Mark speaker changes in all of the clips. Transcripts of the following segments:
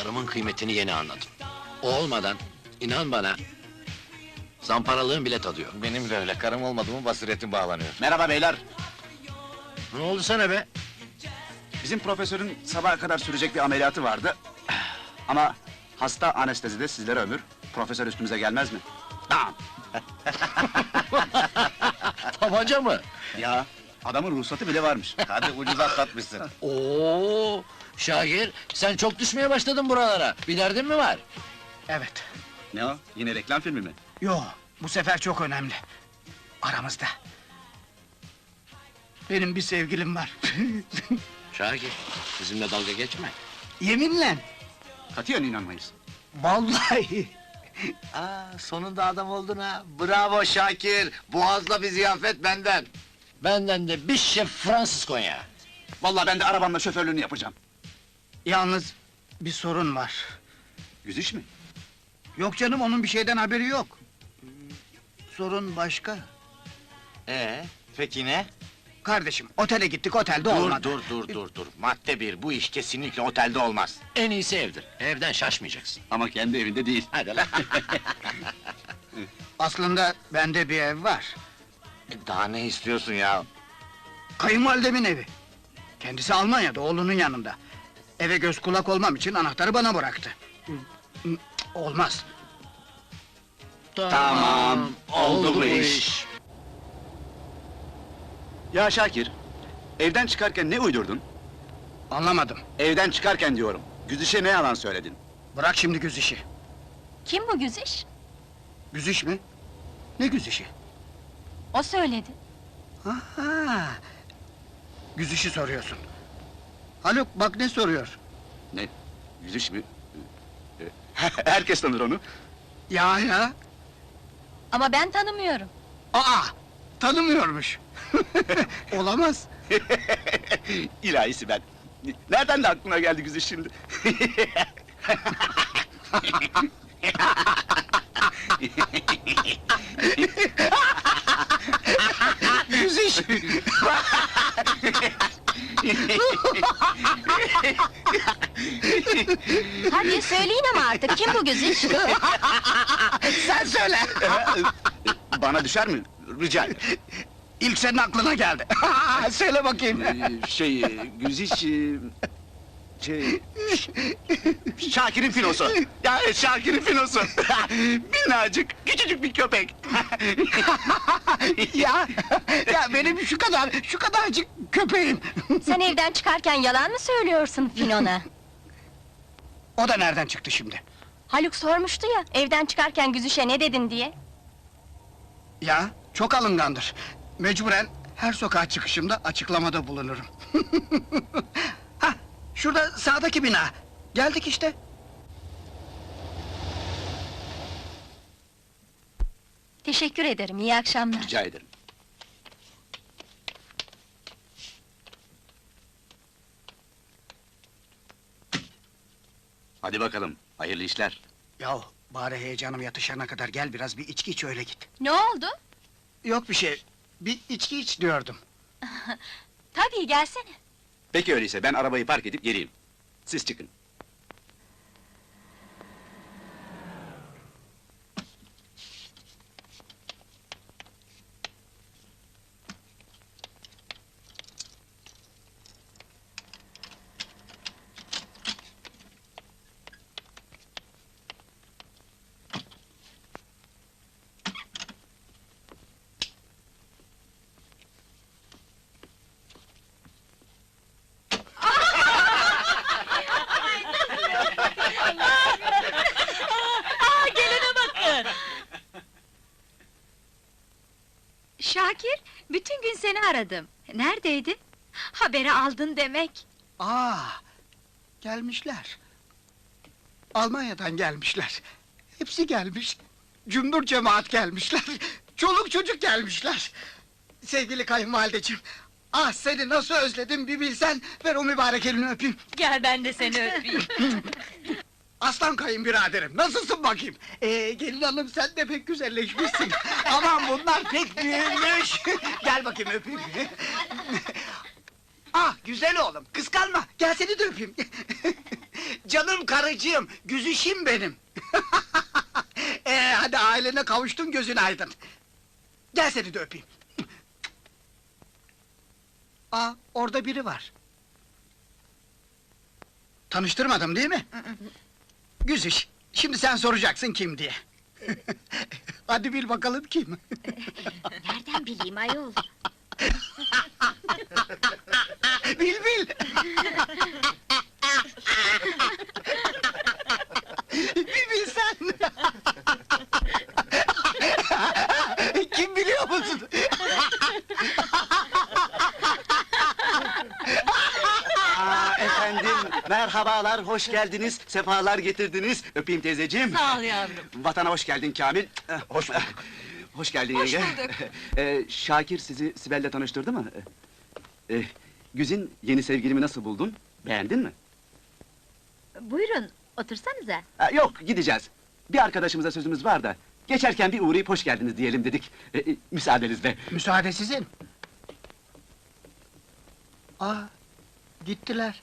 Speaker 1: Karımın kıymetini yeni anladım. O olmadan, inan bana, zamparalığın bile tadı yok.
Speaker 2: Benim de öyle, karım olmadı mı basiretim bağlanıyor.
Speaker 3: Merhaba beyler.
Speaker 1: Ne oldu sana be?
Speaker 3: Bizim profesörün sabaha kadar sürecek bir ameliyatı vardı. Ama hasta anestezide sizlere ömür. Profesör üstümüze gelmez mi? Tamam.
Speaker 1: Tabanca mı?
Speaker 3: Ya adamın ruhsatı bile varmış.
Speaker 2: Hadi ucuz atlatmışsın.
Speaker 1: Oo, Şakir, sen çok düşmeye başladın buralara. Bir derdin mi var?
Speaker 4: Evet.
Speaker 3: Ne o? Yine reklam filmi mi?
Speaker 4: Yo, bu sefer çok önemli. Aramızda. Benim bir sevgilim var.
Speaker 1: Şakir, bizimle dalga geçme.
Speaker 4: Yeminle.
Speaker 3: Katiyen inanmayız.
Speaker 4: Vallahi.
Speaker 2: Aa, sonunda adam oldun ha. Bravo Şakir. Boğazla bir ziyafet benden.
Speaker 1: Benden de bir şef Fransız Konya.
Speaker 3: Vallahi ben de arabamla şoförlüğünü yapacağım.
Speaker 4: Yalnız bir sorun var.
Speaker 3: Yüzüş mü?
Speaker 4: Yok canım, onun bir şeyden haberi yok. Sorun başka.
Speaker 2: Peki ne?
Speaker 4: Kardeşim, otele gittik, otelde olmadı.
Speaker 2: Dur. Madde bir, bu iş kesinlikle otelde olmaz.
Speaker 1: En iyisi evdir. Evden şaşmayacaksın.
Speaker 3: Ama kendi evinde değil.
Speaker 1: Hadi lan.
Speaker 4: Aslında bende bir ev var.
Speaker 2: Daha ne istiyorsun ya?
Speaker 4: Kayınvalidemin evi. Kendisi Almanya'da, oğlunun yanında. Eve göz kulak olmam için anahtarı bana bıraktı. Olmaz.
Speaker 3: Tamam, oldu bu iş. Ya Şakir, evden çıkarken ne uydurdun?
Speaker 4: Anlamadım.
Speaker 3: Evden çıkarken diyorum. Güzişe ne yalan söyledin?
Speaker 4: Bırak şimdi güz işi.
Speaker 5: Kim bu Güziş?
Speaker 4: Güz iş mi? Ne güz işi?
Speaker 5: O söyledi.
Speaker 4: Aha! Güz işi soruyorsun. Haluk, bak ne soruyor?
Speaker 3: Ne? Güziş mi? Herkes tanır onu.
Speaker 4: Ya!
Speaker 5: Ama ben tanımıyorum.
Speaker 4: Aa! Tanımıyormuş. Olamaz.
Speaker 3: İlahisi ben. Nereden de aklına geldi Güziş şimdi?
Speaker 4: Güz iş!
Speaker 5: Hadi söyleyin ama artık, kim bu Güziş?
Speaker 4: Sen söyle!
Speaker 3: Bana düşer mi? Rica ederim.
Speaker 4: İlk senin aklına geldi. Söyle bakayım.
Speaker 3: Güziş... Şakir'in finosu. Ya Şakir'in finosu. Minnacık, küçücük bir köpek.
Speaker 4: ya benim şu kadarcık köpeğim.
Speaker 5: Sen evden çıkarken yalan mı söylüyorsun Finon'a?
Speaker 4: O da nereden çıktı şimdi?
Speaker 5: Haluk sormuştu ya, evden çıkarken Güziş'e ne dedin diye.
Speaker 4: Ya, çok alıngandır. Mecburen her sokağa çıkışımda açıklamada bulunurum. Hah, şurada sağdaki bina. Geldik işte.
Speaker 5: Teşekkür ederim, iyi akşamlar.
Speaker 3: Rica ederim. Hadi bakalım, hayırlı işler.
Speaker 4: Yahu, bari heyecanım yatışana kadar gel biraz bir içki iç öyle git.
Speaker 5: Ne oldu?
Speaker 4: Yok bir şey, bir içki iç diyordum.
Speaker 5: Tabii, gelsene.
Speaker 3: Peki öyleyse ben arabayı park edip geleyim. Siz çıkın.
Speaker 6: Şakir, bütün gün seni aradım. Neredeydin? Haberi aldın demek.
Speaker 4: Gelmişler. Almanya'dan gelmişler. Hepsi gelmiş. Cümbür cemaat gelmişler. Çoluk çocuk gelmişler. Sevgili kayınvalideciğim, seni nasıl özledim bir bilsen, ver o mübarek elini öpeyim.
Speaker 6: Gel ben de seni öpeyim.
Speaker 4: Aslan kayınbiraderim, nasılsın bakayım? Gelin hanım, sen de pek güzelleşmişsin. Aman bunlar pek büyümüş. Gel bakayım öpeyim. Güzel oğlum, kıskanma, gel seni de öpeyim. Canım karıcığım, güzüşüm benim. Hadi ailene kavuştun, gözün aydın. Gel seni de öpeyim. Aa, orada biri var. Tanıştırmadım değil mi? Güzüş, şimdi sen soracaksın kim diye. Hadi bil bakalım kim?
Speaker 6: Nereden bileyim ayol?
Speaker 4: Bil bil! Bir bilsen! Kim biliyor musun?
Speaker 3: Efendim, merhabalar, hoş geldiniz, sefalar getirdiniz. Öpeyim teyzeciğim.
Speaker 7: Sağ ol yavrum.
Speaker 3: Vatana hoş geldin Kamil. Hoş bulduk. Hoş geldin
Speaker 7: Hoş
Speaker 3: yenge.
Speaker 7: bulduk.
Speaker 3: Şakir sizi Sibel'le tanıştırdı mı? Güzin, yeni sevgilimi nasıl buldun? Beğendin mi?
Speaker 6: Buyurun, otursanıza.
Speaker 3: Yok, gideceğiz. Bir arkadaşımıza sözümüz var da... ...geçerken bir uğrayıp hoş geldiniz diyelim dedik. Müsaadenizle.
Speaker 4: Müsaade sizin. Aa, gittiler.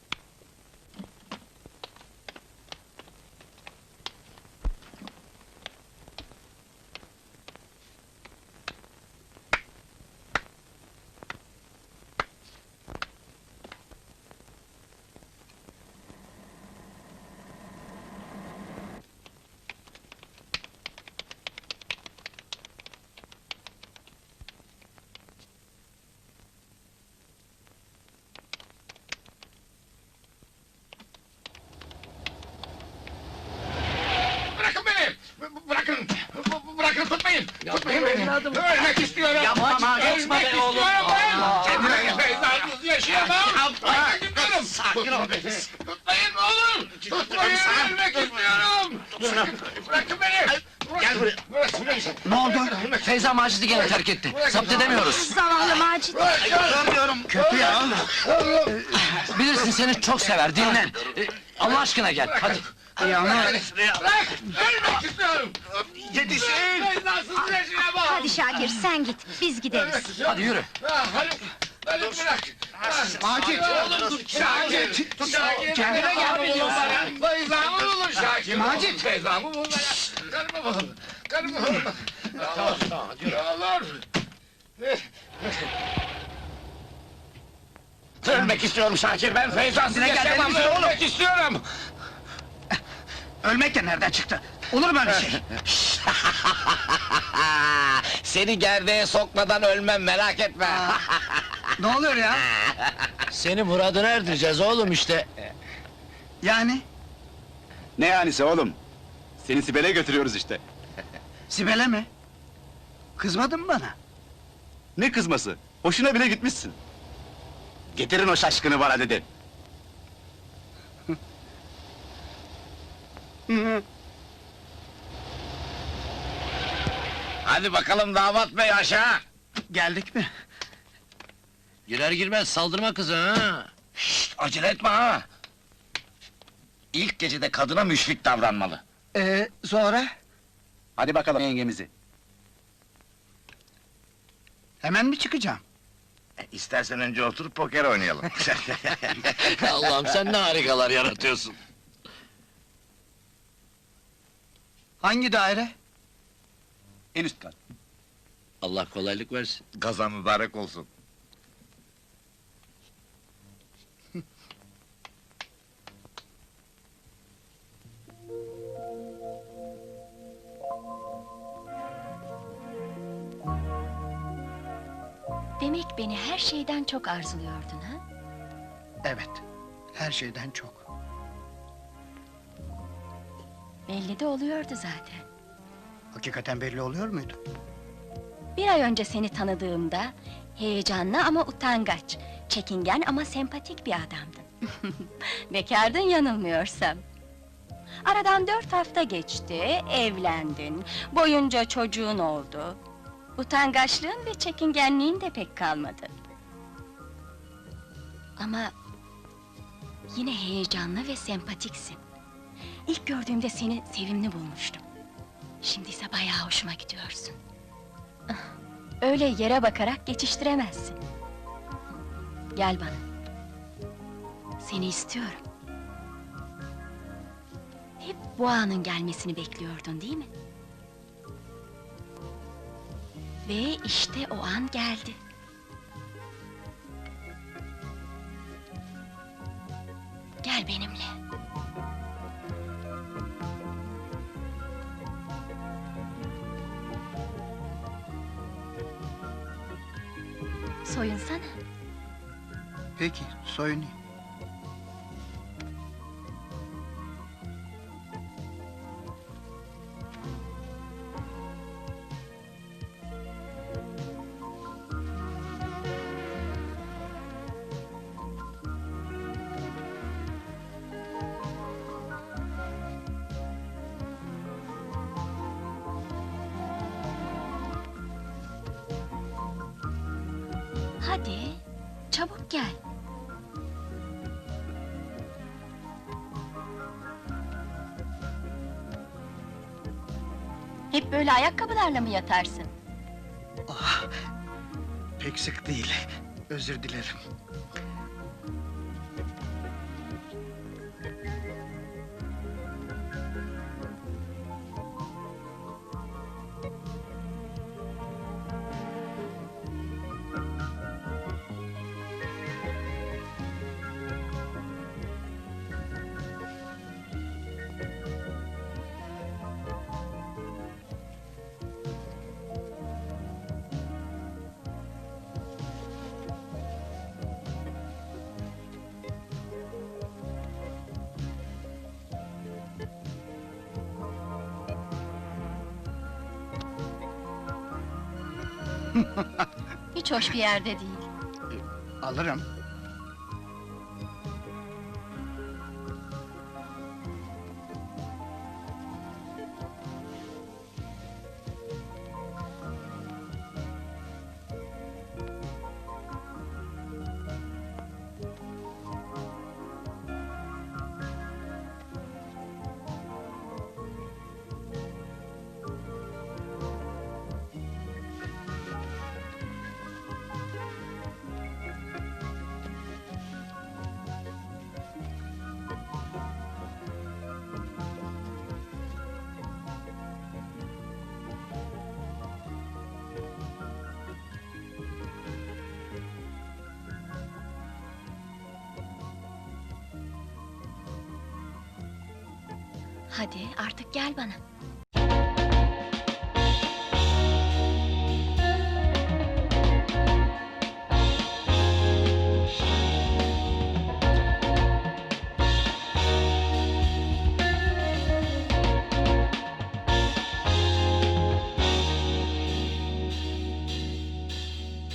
Speaker 2: Bırakın beni! Bırakın! Bırakın, tutmayın! Tutmayın beni! Ölmek istiyorum!
Speaker 1: Yapma, kaçma
Speaker 2: Ölmek
Speaker 1: be oğlum.
Speaker 2: istiyorum ben!
Speaker 1: Aa.
Speaker 2: Kendime gel, Feyza'sız yaşayamam! Bırakın gidiyorum!
Speaker 1: Sakin ol be.
Speaker 2: Tutmayın ne olur! Tutmayın! Ölmek istiyorum! Bırakın beni!
Speaker 1: Gel buraya.
Speaker 2: Bırakın beni!
Speaker 4: Ne oldu?
Speaker 1: Feyza Macit'i gene terk etti. Zapt edemiyoruz.
Speaker 6: Zavallı Macit.
Speaker 4: Görmüyorum. Kötü ya.
Speaker 1: Bilirsin seni çok sever, dinlen. Allah aşkına gel, hadi.
Speaker 4: Ya ama...
Speaker 2: Bırak! Ölmek istiyorum!
Speaker 4: Yetişin!
Speaker 2: Feyza'sız yaşayamam!
Speaker 6: Hadi Şakir sen git, biz gideriz.
Speaker 1: Hadi yürü.
Speaker 2: Haluk bırak!
Speaker 4: Macit!
Speaker 2: Oğlum dur! Şakir! Şakir! Kendine gel oğlum bana! Feyza'mı bulun Şakir!
Speaker 4: Macit!
Speaker 2: Feyza'mı bulun bana! Karımı bulun! Karımı bulun! Ne olur! Ölmek istiyorum Şakir, ben Feyza'sız
Speaker 4: Kendine gel,
Speaker 2: yaşayamam!
Speaker 4: deli misin oğlum?
Speaker 2: Ölmek istiyorum!
Speaker 4: Ölmek de nereden çıktı? Olur mu öyle şey?
Speaker 2: Seni gerdeğe sokmadan ölmem, merak etme!
Speaker 4: Ne oluyor ya?
Speaker 1: Seni muradına erdireceğiz oğlum işte.
Speaker 4: Yani?
Speaker 3: Ne yanisi oğlum? Seni Sibel'e götürüyoruz işte.
Speaker 4: Sibel'e mi? Kızmadın mı bana?
Speaker 3: Ne kızması? Hoşuna bile gitmişsin. Getirin o şaşkını bana dedi.
Speaker 2: Hadi bakalım damat bey aşağı!
Speaker 4: Geldik mi?
Speaker 1: Girer girmez saldırma kıza ha.
Speaker 2: Şşt, acele etme ha! İlk gecede kadına müşfik davranmalı.
Speaker 4: Sonra?
Speaker 3: Hadi bakalım yengemizi.
Speaker 4: Hemen mi çıkacağım?
Speaker 2: İstersen önce oturup poker oynayalım.
Speaker 1: Allah'ım sen ne harikalar yaratıyorsun.
Speaker 4: Hangi daire?
Speaker 3: En üst kat.
Speaker 1: Allah kolaylık versin.
Speaker 2: Gazan mübarek olsun.
Speaker 5: Demek beni her şeyden çok arzuluyordun ha?
Speaker 4: Evet, her şeyden çok.
Speaker 5: Belli de oluyordu zaten.
Speaker 4: Hakikaten belli oluyor muydu?
Speaker 5: Bir ay önce seni tanıdığımda... ...heyecanlı ama utangaç... ...çekingen ama sempatik bir adamdın. Bekardın yanılmıyorsam. Aradan 4 hafta geçti, evlendin... ...boyunca çocuğun oldu... ...utangaçlığın ve çekingenliğin de pek kalmadı. Ama... ...yine heyecanlı ve sempatiksin. İlk gördüğümde seni sevimli bulmuştum. Şimdi ise bayağı hoşuma gidiyorsun. Öyle yere bakarak geçiştiremezsin. Gel bana. Seni istiyorum. Hep bu anın gelmesini bekliyordun, değil mi? Ve işte o an geldi. Gel benimle. Soyunsana.
Speaker 4: Peki, soyunayım.
Speaker 5: Hadi, çabuk gel. Hep böyle ayakkabılarla mı yatarsın?
Speaker 4: Pek sık değil. Özür dilerim.
Speaker 5: Hiç hoş bir yerde değil.
Speaker 4: Alırım.
Speaker 5: Hadi artık gel bana.